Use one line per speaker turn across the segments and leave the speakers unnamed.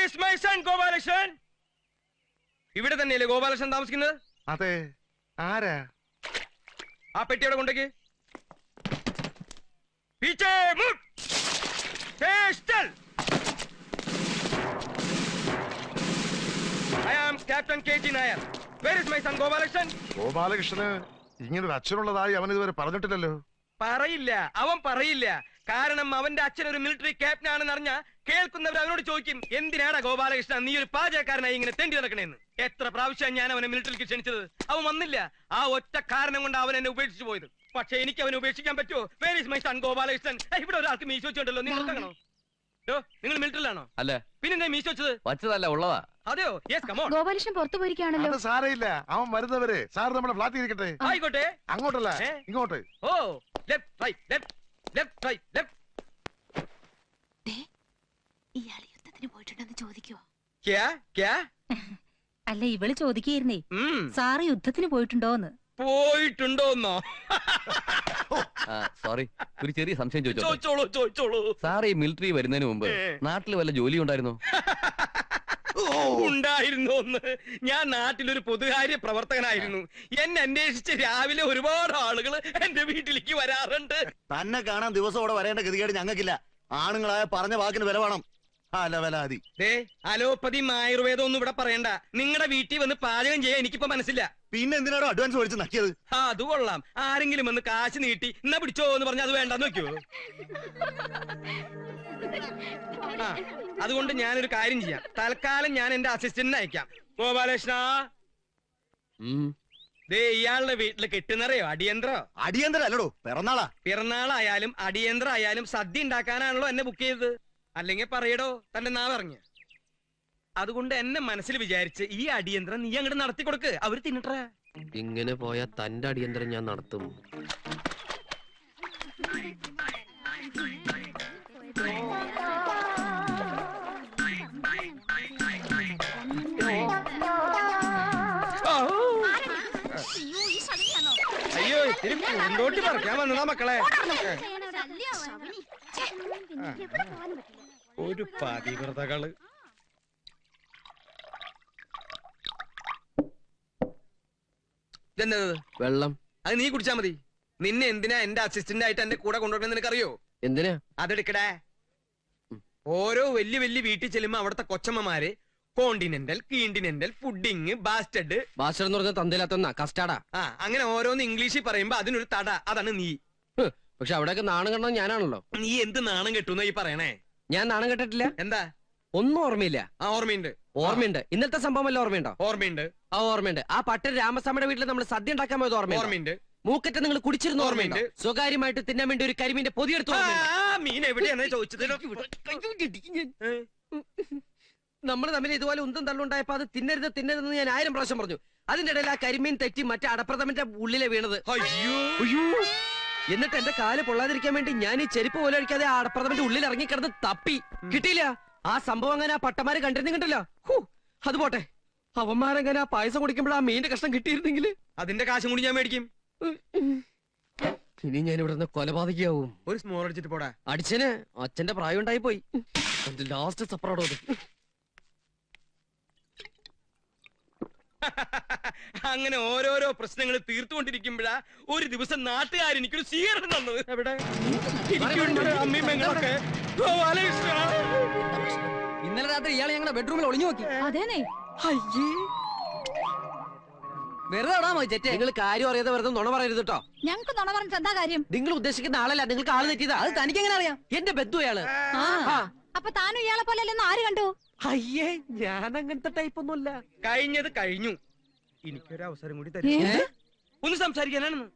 is my son Gopalakrishnan? ഇവിടെ തന്നെയല്ലേ ഗോപാലകൃഷ്ണൻ താമസിക്കുന്നത്?
അതെ. ആരാ?
ആ പെട്ടി അവിടെ കൊണ്ടേക്ക്. പീച്ചേ മുട്ട്. സ്റ്റൽ. I am Captain KG Nair. Where is my son Gopalakrishnan?
ഗോപാലകൃഷ്ണന് ഇങ്ങനൊരു അച്ഛനുള്ളതായി അവൻ ഇതുവരെ പറഞ്ഞിട്ടില്ലല്ലോ.
പറയില്ല, അവൻ പറയില്ല. കാരണം അവന്റെ അച്ഛൻ ഒരു മിലിറ്ററി ക്യാപ്റ്റൻ ആണെന്ന് അറിഞ്ഞ കേൾക്കുന്നവർ അവനോട് ചോദിക്കും, എന്തിനാടാ ഗോപാലകൃഷ്ണൻ നീ ഒരു പാചകക്കാരനായി ഇങ്ങനെ തെണ്ടി നടക്കണേന്ന്. എത്ര പ്രാവശ്യം ഞാൻ അവനെ മിലിറ്ററിക്ക് ക്ഷണിച്ചത്, അവൻ വന്നില്ല. ആ ഒറ്റ കാരണം കൊണ്ട് അവൻ എന്നെ ഉപേക്ഷിച്ചു പോയത്. പക്ഷെ എനിക്ക് അവനെ ഉപേക്ഷിക്കാൻ പറ്റുമോ? Where is my son Gopalakrishnan? ഇവിടെ ഒരാൾക്ക് മീശ വെച്ചിട്ടുണ്ടല്ലോ, നിങ്ങൾ കാണോ? നിങ്ങൾ മിലിറ്ററിലാണോ?
അല്ല.
പിന്നെ മീശ വെച്ചത്?
വച്ചതല്ല, ഉള്ളതാ.
അതെയോ? Yes, come on.
ഗോപാലകൃഷ്ണൻ പുറത്തു പോയിരിക്കുകയാണല്ലോ.
അത് സാരയില്ല, അവൻ വരുന്നവരെ സാർ നമ്മുടെ ഫ്ലാറ്റിൽ ഇരിക്കട്ടെ.
ആയിക്കോട്ടെ.
അങ്ങോട്ടല്ല, ഇങ്ങോട്ട്.
ഓ, left right left left right left.
ഇയാൾ യുദ്ധത്തിന് പോയിട്ടുണ്ടെന്ന് ചോദിക്കുവോ?
അല്ല, ഇവള് ചോദിക്കുകയായിരുന്നേ, സാറ് യുദ്ധത്തിന് പോയിട്ടുണ്ടോന്ന്.
പോയിട്ടുണ്ടോന്നോ?
സോറി, ഒരു ചെറിയ സംശയം
ചോദിച്ചോളൂ.
സാർ ഈ മിലിറ്ററി വരുന്നതിന് മുമ്പ് നാട്ടിൽ വല്ല ജോലി ഉണ്ടായിരുന്നോ?
ഉണ്ടായിരുന്നോന്ന്? ഞാൻ നാട്ടിലൊരു പൊതുകാര്യ പ്രവർത്തകനായിരുന്നു. എന്നെ അന്വേഷിച്ച് രാവിലെ ഒരുപാട് ആളുകൾ എന്റെ വീട്ടിലേക്ക് വരാറുണ്ട്.
തന്നെ കാണാൻ ദിവസം അവിടെ വരേണ്ട ഗതികേട് ഞങ്ങൾക്കില്ല. ആണുങ്ങളായ പറഞ്ഞ വാക്കിന് വില വേണം.
അലോപ്പതിയും ആയുർവേദം ഒന്നും ഇവിടെ പറയണ്ട. നിങ്ങളുടെ വീട്ടിൽ വന്ന് പാചകം ചെയ്യാൻ എനിക്കിപ്പോ മനസ്സില്ല.
പിന്നെ എന്തിനാണോ അഡ്വാൻസ് മേടിച്ച് നക്കിയത്?
അത് കൊള്ളാം. ആരെങ്കിലും വന്ന് കാശ് നീട്ടി എന്നാ പിടിച്ചോ എന്ന് പറഞ്ഞാൽ അത് വേണ്ടെന്ന് നോക്കിയോ? അതുകൊണ്ട് ഞാനൊരു കാര്യം ചെയ്യാം. തൽക്കാലം ഞാൻ എന്റെ അസിസ്റ്റന്റിനെ അയക്കാം. ഗോപാലകൃഷ്ണ, ഇയാളുടെ വീട്ടില് കെട്ടുന്നറിയോ? അടിയന്തര
അല്ലടോ,
പിറന്നാളായാലും അടിയന്തരായാലും സദ്യ ഉണ്ടാക്കാനാണല്ലോ എന്നെ ബുക്ക് ചെയ്തത്. അല്ലെങ്കിൽ പറയടോ തന്റെ നാവറിഞ്ഞ്. അതുകൊണ്ട് എന്നെ മനസ്സിൽ വിചാരിച്ച് ഈ അടിയന്തരം നീ അങ്ങോട്ട് നടത്തി കൊടുക്ക്. അവര് തിന്നിട്ടേ.
ഇങ്ങനെ പോയാ തന്റെ അടിയന്തരം ഞാൻ നടത്തും.
അയ്യോ, ഇത്തിരി പൂന്തോട്ടി പറിക്കാൻ വന്നതാ മക്കളെ. ഒരു പതിവ്രതകള്.
വെള്ളം.
അത് നീ കുടിച്ചാ മതി. നിന്നെ എന്തിനാ എന്റെ അസിസ്റ്റന്റ് ആയിട്ട് എന്റെ കൂടെ കൊണ്ടുവരണമെന്ന് നിനക്കറിയോ?
എന്തിനാ?
അതെടുക്കടേ. ഓരോ വലിയ വലിയ വീട്ടിൽ ചെല്ലുമ്പോ അവിടുത്തെ കൊച്ചമ്മമാര് കോണ്ടിനെന്റൽ, കീണ്ടിനെന്റൽ, ഫുഡിങ്, ബാസ്റ്റഡ്.
ബാസ്റ്റഡ് എന്ന് പറഞ്ഞാൽ തന്തയിലാത്ത കസ്റ്റാർഡാ.
അങ്ങനെ ഓരോന്ന് ഇംഗ്ലീഷിൽ പറയുമ്പോ അതിനൊരു തട. അതാണ് നീ.
പക്ഷെ അവിടെയൊക്കെ നാണം കെട്ടത് ഞാനാണല്ലോ.
നീ എന്ത് നാണം കെട്ടുന്ന ഈ പറയണേ?
ഞാൻ നാണം കെട്ടിട്ടില്ല.
എന്താ?
ഒന്നും ഓർമ്മയില്ല.
ഓർമ്മയുണ്ട്.
ഇന്നത്തെ സംഭവം വല്ല ഓർമ്മയുണ്ടോ?
ഓർമ്മയുണ്ട്.
ആ പട്ടൻ രാമസ്വാമിയുടെ വീട്ടിൽ നമ്മൾ സദ്യ ഉണ്ടാക്കാൻ പോയത് ഓർമ്മയുണ്ട്. മൂക്കറ്റ നിങ്ങൾ കുടിച്ചിരുന്ന ഓർമ്മയുണ്ട്. സ്വകാര്യമായിട്ട് തിന്നാൻ വേണ്ടി ഒരു കരിമീന്റെ പൊതിയെടുത്തു.
മീൻ എവിടെയാണ് ചോദിച്ചത്?
നമ്മൾ തമ്മിൽ ഇതുപോലെ ഉന്തം തള്ളുണ്ടായപ്പോ അത് തിന്നരുതെന്ന് ഞാൻ 1000 പ്രാവശ്യം പറഞ്ഞു. അതിന്റെ ഇടയിൽ ആ കരിമീൻ തെറ്റി മറ്റേ അടപ്രഥമന്റെ ഉള്ളിലെ വീണത്.
അയ്യോ.
എന്നിട്ട് എന്റെ കാല് പൊള്ളാതിരിക്കാൻ വേണ്ടി ഞാൻ ഈ ചെരുപ്പ് പോലെ അടിക്കാതെ ആ അടപ്രഥമന്റെ ഉള്ളിൽ ഇറങ്ങിക്കിടന്ന് തപ്പി. കിട്ടിയില്ല. ആ സംഭവം അങ്ങനെ ആ പട്ടമാര് കണ്ടിരുന്നില്ല. അത് പോട്ടെ, അവന്മാരങ്ങനെ ആ പായസം കുടിക്കുമ്പോൾ ആ മീന്റെ കഷ്ണം കിട്ടിയിരുന്നെങ്കിൽ
അതിന്റെ കാശും കൂടി ഞാൻ മേടിക്കും.
ഇനി ഞാൻ ഇവിടെ നിന്ന് കൊലപാതകയാവും.
ഒരു സ്മോൾ അടിച്ചിട്ട് പോടാ.
അടിച്ചന് അച്ഛന്റെ പ്രായം ഉണ്ടായി പോയി. ലാസ്റ്റ് സപ്പറോടോ.
അങ്ങനെ ഓരോരോ പ്രശ്നങ്ങൾ തീർത്തുകൊണ്ടിരിക്കുമ്പോഴാ ഒരു ദിവസം നാട്ടുകാർ എനിക്കൊരു സ്വീകരണം തന്നത്. എവിടെ? അമ്മയും പെങ്ങളൊക്കെ.
ഇന്നലെ രാത്രി ഇയാളെ ഞങ്ങളുടെ ബെഡ്റൂമിൽ ഒളിഞ്ഞു നോക്കി.
അതേനെ.
വെറുതെ നിങ്ങൾ കാര്യം അറിയാതെ വെറുതെ നുണ പറയരുത് കേട്ടോ.
ഞങ്ങൾക്ക് നുണ പറഞ്ഞിട്ട് എന്താ കാര്യം?
നിങ്ങൾ ഉദ്ദേശിക്കുന്ന ആളല്ല, നിങ്ങൾക്ക് ആള് തെറ്റിയതാ. അത് തനിക്ക് എങ്ങനെ അറിയാം? എന്റെ ബന്ധു അയാള്.
അപ്പൊ താനും ഇയാളെ പോലെ അല്ലെന്ന് ആര് കണ്ടു?
അയ്യേ, ഞാൻ അങ്ങനത്തെ ടൈപ്പ് ഒന്നുമല്ല.
കഴിഞ്ഞത് കഴിഞ്ഞു. എനിക്കൊരു അവസരം കൂടി തരും. ഒന്ന് സംസാരിക്കാനാണെന്ന്.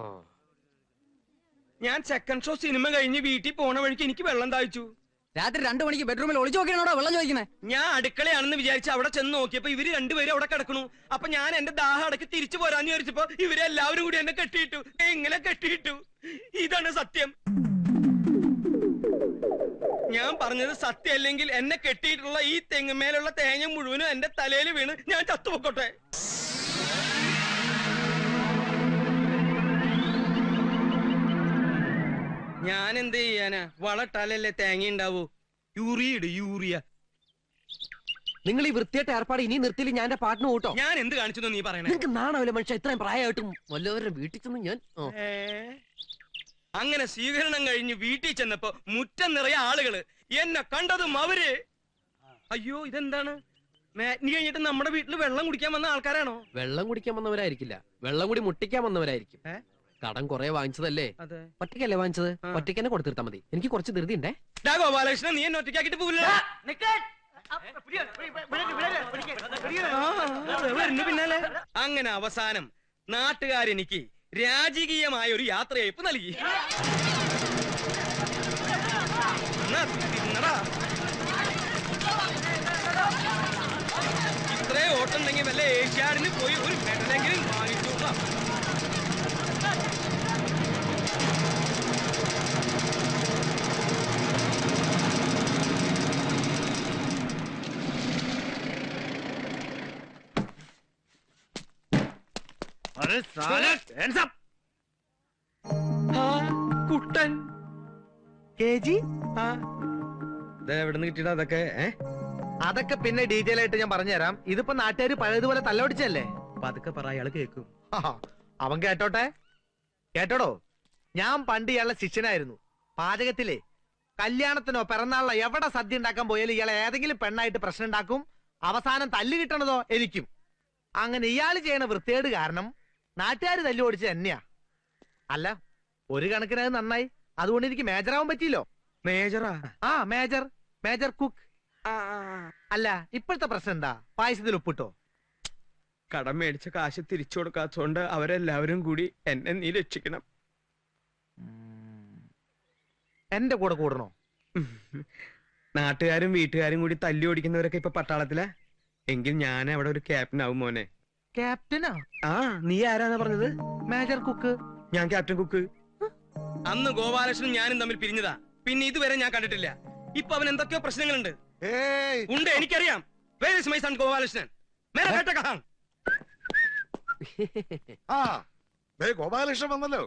ഞാൻ സെക്കൻഡ് ഷോ സിനിമ കഴിഞ്ഞ് വീട്ടിൽ പോണ വഴിക്ക് എനിക്ക് വെള്ളം താഴ്ച്ചു.
രാത്രി 2 മണിക്ക് ബെഡ്റൂമിൽ ഒളിച്ചു നോക്കിയാണോ വെള്ളം ചോദിക്കണേ?
ഞാൻ അടുക്കളയാണെന്ന് വിചാരിച്ച് അവിടെ ചെന്ന് നോക്കിയപ്പോ ഇവര് രണ്ടുപേരും അവിടെ കിടക്കണു. അപ്പൊ ഞാൻ എന്റെ ദാഹം അടക്കി തിരിച്ചു പോരാന്ന് വിചാരിച്ചപ്പോ ഇവരെല്ലാവരും കൂടി എന്നെ കെട്ടിയിട്ടു. എങ്ങനെ കെട്ടിയിട്ടു? ഇതാണ് സത്യം. ഞാൻ പറഞ്ഞത് സത്യം അല്ലെങ്കിൽ എന്നെ കെട്ടിയിട്ടുള്ള ഈ തെങ്ങുമേലുള്ള തേങ്ങ മുഴുവനും എന്റെ തലയിൽ വീണ് ഞാൻ ചത്തുപൊക്കോട്ടെ. ഞാൻ എന്ത് ചെയ്യാനാ? വളട്ടാലല്ലേ തേങ്ങ ഉണ്ടാവൂ. യൂറിയ.
നിങ്ങൾ ഈ വൃത്തിയായിട്ട് ഏർപ്പാട് ഇനി നിർത്തിയില്ല ഞാൻ എന്റെ പാട്ടിന് കൂട്ടോ.
ഞാൻ എന്ത് കാണിച്ചു നീ പറയണേ?
നിങ്ങൾക്ക് നാണാവില്ല മനുഷ്യ, ഇത്രയും പ്രായമായിട്ടും വല്ലവരുടെ വീട്ടിൽ ചെന്ന് ഞാൻ
അങ്ങനെ സ്വീകരണം കഴിഞ്ഞ് വീട്ടിൽ ചെന്നപ്പോ മുറ്റം നിറയെ ആളുകള്. എന്നെ കണ്ടതും അവര് അയ്യോ ഇതെന്താണ് മാറ്റിനി കഴിഞ്ഞിട്ട് നമ്മുടെ വീട്ടിൽ വെള്ളം കുടിക്കാൻ വന്ന ആൾക്കാരാണോ?
വെള്ളം കുടിക്കാൻ വന്നവരായിരിക്കില്ല, വെള്ളം കൂടി മുട്ടിക്കാൻ വന്നവരായിരിക്കും. കടം കുറെ വാങ്ങിച്ചതല്ലേ?
അതെ.
ഒറ്റയ്ക്കല്ലേ വാങ്ങിച്ചത്? ഒറ്റയ്ക്ക് തന്നെ കൊടുത്തിരുത്താ മതി. എനിക്ക് കുറച്ച് ധൃതി ഉണ്ടേ.
ഗോപാലകൃഷ്ണൻ നീ എന്നെ ഒറ്റയ്ക്കാക്കിട്ട് പോവില്ല. പിന്നാലെ അങ്ങനെ അവസാനം നാട്ടുകാരെനിക്ക് രാജകീയമായ ഒരു യാത്രയയപ്പ് നൽകി. ഇത്രേ ഓട്ടുണ്ടെങ്കിൽ വല്ല ഏഷ്യാഡിന് പോയി ഒരു മെഡലെങ്കിലും വാങ്ങിച്ചോളാം. കുട്ടൻ എവിടുന്ന് കിട്ടിയിട്ടാ അതൊക്കെ?
അതൊക്കെ പിന്നെ ഡീറ്റെയിൽ ആയിട്ട് ഞാൻ പറഞ്ഞുതരാം. ഇതിപ്പോ നാട്ടുകാർ പഴയതുപോലെ തല്ലൊടിച്ചല്ലേ.
പതുക്കെ പറ, അയാള് കേൾക്കും.
അവൻ കേട്ടോട്ടെ. കേട്ടോടോ, ഞാൻ പണ്ട് ഇയാളുടെ ശിഷ്യനായിരുന്നു. പാചകത്തിലെ കല്യാണത്തിനോ പിറന്നാളിനോ എവിടെ സദ്യ ഉണ്ടാക്കാൻ പോയാലും ഇയാളെ ഏതെങ്കിലും പെണ്ണായിട്ട് പ്രശ്നം ഉണ്ടാക്കും. അവസാനം തല്ല് കിട്ടണതോ എനിക്കും. അങ്ങനെ ഇയാൾ ചെയ്യണ വൃത്തികേട് കാരണം നാട്ടുകാർ തല്ലു ഓടിച്ചത് തന്നെയാ. അല്ല, ഒരു കണക്കിന് അത് നന്നായി. അതുകൊണ്ട് എനിക്ക് മേജറാവാൻ പറ്റിയില്ലോ.
മേജറാ?
ആ, മേജർ, മേജർ കുക്ക്. അല്ല, ഇപ്പോഴത്തെ പ്രശ്നം എന്താ? പായസത്തിൽ ഉപ്പിട്ടോ?
കടം മേടിച്ച കാശ് തിരിച്ചു കൊടുക്കാത്തതുകൊണ്ട് അവരെല്ലാവരും കൂടി എന്നെ നീ രക്ഷിക്കണം.
എന്റെ കൂടെ കൂടണോ?
നാട്ടുകാരും വീട്ടുകാരും കൂടി തല്ലി ഓടിക്കുന്നവരൊക്കെ ഇപ്പൊ പട്ടാളത്തിലാ. എങ്കിൽ ഞാൻ അവിടെ ഒരു ക്യാപ്റ്റൻ ആവും മോനെ.
ക്യാപ്റ്റനാ?
ആ, നീ ആരാന്നാ പറഞ്ഞത്?
Major cook.
ഞാൻ ക്യാപ്റ്റൻ കുക്ക്. അന്ന് ഗോപാലകൃഷ്ണനും ഞാനും തമ്മിൽ പിരിഞ്ഞതാ. പിന്നെ ഇതുവരെ ഞാൻ കണ്ടിട്ടില്ല. ഇപ്പൊ അവൻ എന്തൊക്കെയോ പ്രശ്നങ്ങളുണ്ട്. ഉണ്ട്, എനിക്കറിയാം. Where is my son Gopalakrishnan? മേരാ ബേട്ട കഹാ?
ആ, ദേ ഗോപാലകൃഷ്ണൻ വന്നല്ലോ.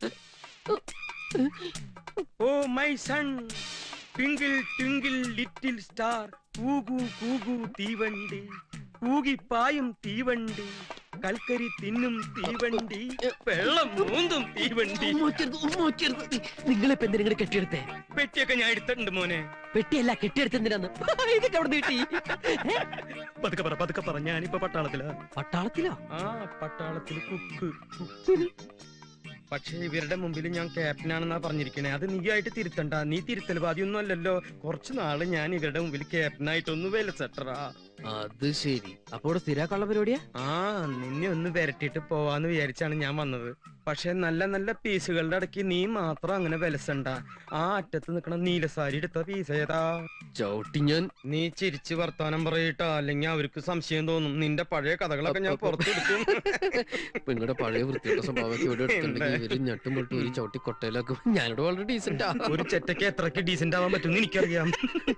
Oh my son, twinkle twinkle little star, കൂകു കൂകു തീവണ്ടി, കൂകിപ്പായും തീവണ്ടി, കൽക്കരി തിന്നും തീവണ്ടി, വെള്ളം മൂന്നും തീവണ്ടി.
നിങ്ങളിപ്പോ എന്തിനാ കെട്ടിയെടുത്തേ?
പെട്ടിയൊക്കെ ഞാൻ എടുത്തിട്ടുണ്ട് മോനെ.
പെട്ടിയല്ല, കെട്ടിയെടുത്തെന്തിനാന്ന്? ഇതൊക്കെ അവിടെ നീട്ടി.
പതുക്കെ പറ, ഞാനിപ്പോ പട്ടാളത്തിലാ.
പട്ടാളത്തിലോ?
ആ, പട്ടാളത്തില് കുക്ക്. പക്ഷെ ഇവരുടെ മുമ്പിൽ ഞാൻ ക്യാപ്റ്റനാണെന്നാ പറഞ്ഞിരിക്കണേ. അത് നീ ആയിട്ട് തിരുത്തണ്ട. നീ തിരുത്തൽവാദിയൊന്നും അല്ലല്ലോ. കുറച്ചു നാള് ഞാൻ ഇവരുടെ മുമ്പിൽ ക്യാപ്റ്റനായിട്ടൊന്ന് വിലസെട്ടറാ.
അത് ശരി. അപ്പൊ ഇവിടെ സ്ഥിരാക്കാനുള്ള പരിപാടിയാ?
ആ, നിന്നെ ഒന്ന് വരട്ടിട്ട് പോവാന്ന് വിചാരിച്ചാണ് ഞാൻ വന്നത്. പക്ഷെ നല്ല നല്ല പീസുകളുടെ ഇടയ്ക്ക് നീ മാത്രം അങ്ങനെ വിലസണ്ട. ആ അറ്റത്ത് നിക്കണ നീലസാരി എടുത്ത പീസ് ഏതാ?
ചവിട്ടി ഞാൻ.
നീ ചിരിച്ച് വർത്താനം പറയട്ടാ, അല്ലെങ്കിൽ അവർക്ക് സംശയം തോന്നും. നിന്റെ പഴയ കഥകളൊക്കെ ഞാൻ പുറത്തെടുക്കും.
നിങ്ങളുടെ പഴയ വൃത്തിയുടെ സ്വഭാവമൊക്കെ ഇവിടെ എടുത്തിട്ടുണ്ടെങ്കിൽ ഇവര് ഞെട്ടും പൊട്ടും ഒരു ചവിട്ടി കൊട്ടയിലാക്കും. ഞാനിവിടെ വളരെ ഡീസന്റാ.
ഒരു ചെറ്റയ്ക്ക് എത്രക്ക് ഡീസന്റ് ആവാൻ പറ്റും എനിക്കറിയാം.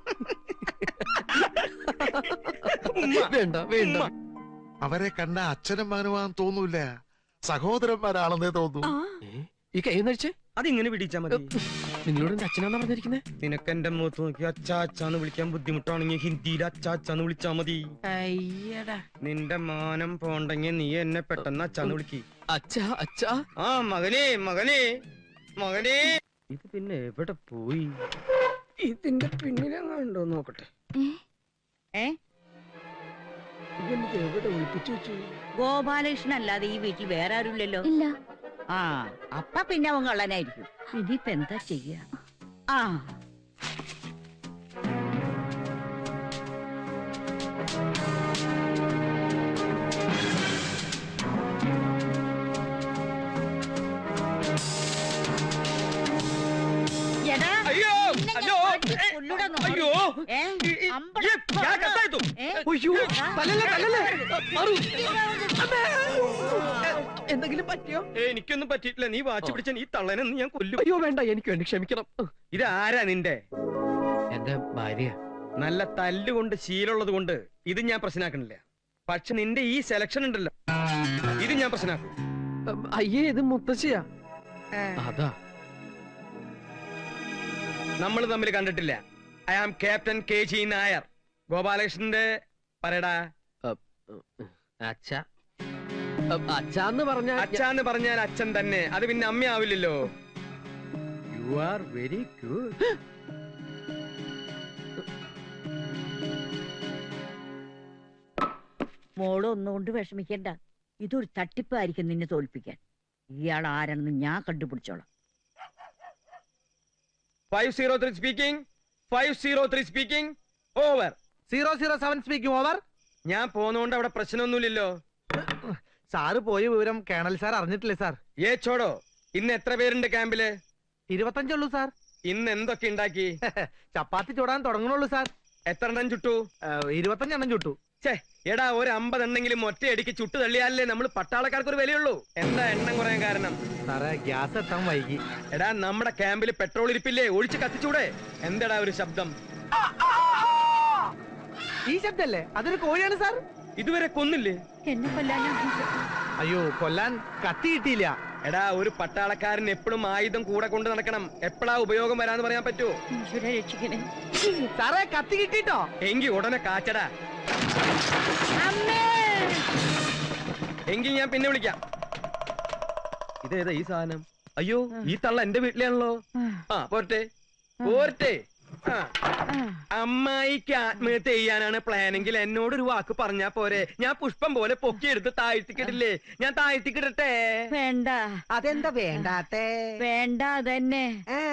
വേണ്ട വേണ്ട.
അവരെ കണ്ട അച്ഛനും മകനുമാന്ന് തോന്നൂല, സഹോദരന്മാരാണെന്നേ തോന്നൂ.
ഈ കൈ നടിച്ചേ
അതിങ്ങനെ പിടിച്ചാ മതി.
നിങ്ങളോട് എന്റെ അച്ഛനാന്നാ പറഞ്ഞിരിക്കുന്നേ?
നിനക്ക് എന്റെ മുഖത്ത് നോക്കി അച്ചാച്ചാന്ന് വിളിക്കാൻ ബുദ്ധിമുട്ടാണെങ്കിൽ ഹിന്ദിയിൽ അച്ചാച്ചാന്ന് വിളിച്ചാ മതി. നിന്റെ മാനം പോണ്ടെങ്കിൽ നീ എന്നെ പെട്ടെന്ന് അച്ചാന്ന് വിളിക്ക്.
അച്ഛാ അച്ഛാ.
ആ, മകനേ മകനേ മകനേ. ഇത് പിന്നെ എവിടെ പോയി? ഇതിന്റെ പിന്നിലെങ്ങാണ്ടോ നോക്കട്ടെ. ഇതെനിക്ക് എവിടെ ഒളിപ്പിച്ചു വെച്ചു?
ഗോപാലകൃഷ്ണൻ അല്ലാതെ ഈ വീട്ടിൽ വേറെ ആരുമില്ലല്ലോ.
ഇല്ല.
ആ, അപ്പ പിന്നെ അവൻ കള്ളനായിരിക്കും. ഇനിയിപ്പ എന്താ ചെയ്യ? ആ, എടാ,
അയ്യോ
നിന്നെ ഞാൻ
അയ്യോ
അടിച്ച് കൊല്ലൂടാ നോക്ക്.
അയ്യോ
ഏ? അമ്പട
കത്തായിത്തു.
അയ്യോ തല്ലല്ലേ തല്ലല്ലേ. മാറൂ. എന്തെങ്കിലും പറ്റിയോ?
എനിക്കൊന്നും പറ്റിയിട്ടില്ല. നീ വാച്ച് പിടിച്ച ഈ തള്ളനെന്ന് ഞാൻ കൊല്ലും.
അയ്യോ വേണ്ട, എനിക്ക് വേണ്ടി ക്ഷമിക്കണം.
ഇത് ആരാ നിന്റെ?
എന്റെ ഭാര്യ.
നല്ല തല്ലുകൊണ്ട് ശീലമുള്ളത് കൊണ്ട് ഇത് ഞാൻ പ്രശ്നമാക്കണില്ല. പക്ഷെ നിന്റെ ഈ സെലക്ഷൻ ഉണ്ടല്ലോ, ഇത് ഞാൻ പ്രശ്നമാക്കും.
അയ്യേ, ഇത് മുത്തശ്ശിയാ. അതാ
നമ്മൾ തമ്മിൽ കണ്ടിട്ടില്ല. I am captain KG Nair, ഗോപാലകൃഷ്ണന്റെ പറയടാ.
അച്ഛ അച്ഛന്ന് പറഞ്ഞ
അച്ഛാന്ന് പറഞ്ഞാൽ അച്ഛൻ തന്നെ, അത് പിന്നെ അമ്മയാവില്ലല്ലോ.
You are very good.
മോള് ഒന്നുകൊണ്ട് വിഷമിക്കണ്ട. ഇതൊരു തട്ടിപ്പായിരിക്കും നിന്നെ തോൽപ്പിക്കാൻ. ഇയാൾ ആരാണെന്ന് ഞാൻ കണ്ടുപിടിച്ചോളാം.
503 speaking. 503 speaking. Over.
007 speaking over.
ഞാൻ പോന്നോണ്ട് അവിടെ പ്രശ്നമൊന്നുമില്ലല്ലോ.
സാറ് പോയ വിവരം കേണൽ സാർ അറിഞ്ഞിട്ടില്ലേ സാർ?
ഏ ചോടോ, ഇന്ന് എത്ര പേരുണ്ട് ക്യാമ്പില്?
25 ഉള്ളൂ സാർ.
ഇന്ന് എന്തൊക്കെ ഉണ്ടാക്കി?
ചപ്പാത്തി ചൂടാൻ തുടങ്ങണുള്ളൂ സാർ.
എത്ര എണ്ണം ചുട്ടു?
25 എണ്ണം ചുട്ടു.
ഛേ, എടാ ഒരു 50 എണ്ണെങ്കിലും ഒറ്റയടിക്ക് ചുട്ടു തള്ളിയാലേ നമ്മൾ പട്ടാളക്കാർക്ക് ഒരു വിലയുള്ളൂ. എന്താ എണ്ണം കുറയാൻ കാരണം?
സാറേ ഗ്യാസ് എത്താൻ വൈകി.
എടാ നമ്മുടെ ക്യാമ്പിൽ പെട്രോൾ ഇരിപ്പില്ലേ, ഒഴിച്ച് കത്തിച്ചൂടെ? എന്താടാ ഒരു ശബ്ദം?
ഈ ശബ്ദല്ലേ? അതൊരു കോഴിയാണ് സാർ.
ഇതുവരെ കൊന്നില്ലേ?
എന്നെ കൊല്ലാനാ?
അയ്യോ, കൊല്ലാൻ കത്തി കിട്ടിയില്ല.
എടാ ഒരു പട്ടാളക്കാരൻ എപ്പോഴും ആയുധം കൂടെ കൊണ്ട് നടക്കണം. എപ്പോഴാ ഉപയോഗം വരാന്ന് പറയാൻ പറ്റുമോ?
ഈശ്വരാ രക്ഷിക്കണേ.
സാറേ കത്തി കിട്ടിട്ടോ?
എങ്കി ഉടനെ കാച്ചടാ.
അമ്മേ!
എങ്കിൽ ഞാൻ പിന്നെ വിളിക്കാം. ഇതേതാ ഈ സാധനം? അയ്യോ, ഈ തള്ള എന്റെ വീട്ടിലാണല്ലോ. ആ പോരട്ടെ പോരട്ടെ. ആ, അമ്മായിക്ക് ആത്മഹത്യ ചെയ്യാനാണ് പ്ലാനെങ്കിൽ എന്നോടൊരു വാക്ക് പറഞ്ഞാ പോരെ? ഞാൻ പുഷ്പം പോലെ പൊക്കിയെടുത്ത് താഴ്ത്തിക്കിടില്ലേ? ഞാൻ താഴ്ത്തിക്കിടട്ടെ?
വേണ്ട
അതെന്താ വേണ്ടാത്തേ?
വേണ്ട അതന്നെ.